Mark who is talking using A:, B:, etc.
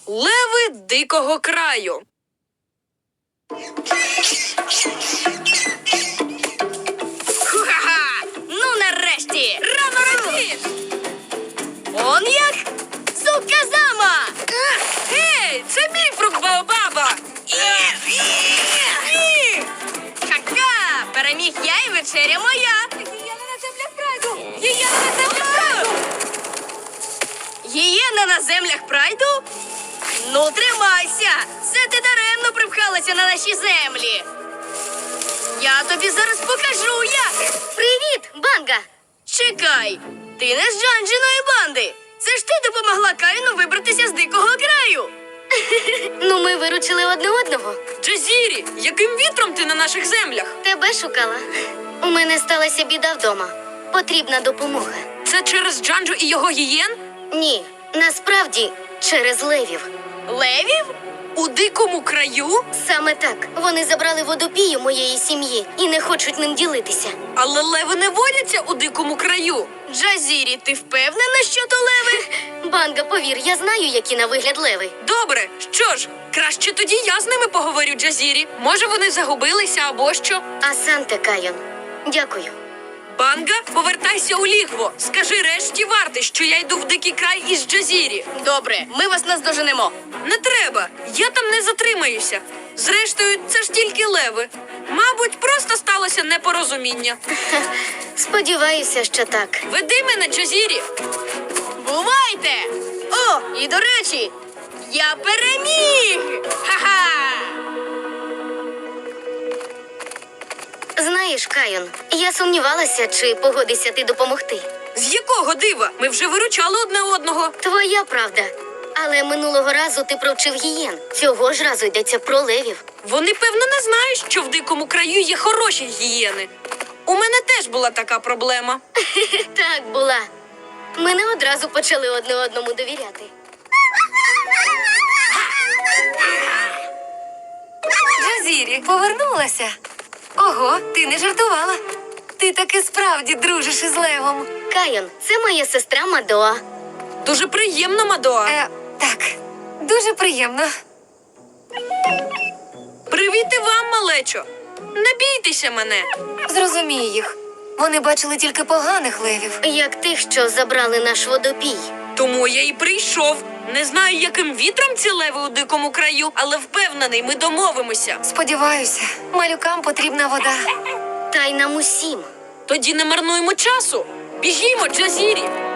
A: Леви дикого краю.
B: Ха-ха! Ну нарешті!
A: Рано радієш!
B: Он як? Зуказама!
A: Гей, це мій фрукт Баобаба!
B: Ха-ха! Переміг я і вечеря моя!
A: Гієна на землях прайду! Гієна на землях прайду!
B: Гієна на землях прайду? Ну, тримайся! Це ти даремно привхалася на наші землі! Я тобі зараз покажу, як! Привіт, Банга! Чекай! Ти не з Джанджиної банди! Це ж ти допомогла Каїну вибратися з дикого краю! Ну, ми виручили одне одного.
A: Джазірі, яким вітром ти на наших землях?
B: Тебе шукала. У мене сталася біда вдома. Потрібна допомога.
A: Це через Джанджу і його гієн?
B: Ні, насправді через левів. Левів?
A: У дикому краю?
B: Саме так. Вони забрали водопію моєї сім'ї і не хочуть ним ділитися.
A: Але леви не водяться у дикому краю.
B: Джазірі, ти впевнена, що то леви? Банга, повір, я знаю, які на вигляд леви.
A: Добре, що ж, краще тоді я з ними поговорю, Джазірі. Може, вони загубилися або що?
B: Асанте, Кайон. Дякую.
A: Банга, повертайся у лігво. Скажи решті варти, що я йду в дикий край із Джазірі.
B: Добре, ми вас наздоженемо.
A: Не треба, я там не затримаюся. Зрештою, це ж тільки леви. Мабуть, просто сталося непорозуміння.
B: Сподіваюся, що так.
A: Веди мене, Джазірі.
B: Бувайте! О, і до речі, я переміг! Ха-ха! Знаєш, Кайон, я сумнівалася, чи погодишся ти допомогти.
A: З якого дива? Ми вже виручали одне одного.
B: Твоя правда. Але минулого разу ти провчив гієн. Цього ж разу йдеться про левів.
A: Вони, певно, не знають, що в дикому краю є хороші гієни. У мене теж була така проблема.
B: Так була. Ми не одразу почали одне одному довіряти.
C: Джазірі, повернулася. Ого, ти не жартувала. Ти таки справді дружиш із левом.
B: Кайон, це моя сестра Мадоа.
A: Дуже приємно, Мадоа.
C: Так, дуже приємно.
A: Привіт і вам, малечо. Не бійтеся мене.
C: Зрозумій їх. Вони бачили тільки поганих левів.
B: Як тих, що забрали наш водопій.
A: Тому я і прийшов. Не знаю, яким вітром ці леви у дикому краю, але впевнений, ми домовимося.
C: Сподіваюся, малюкам потрібна вода.
B: Та й нам усім.
A: Тоді не марнуємо часу. Біжімо, Джазірі.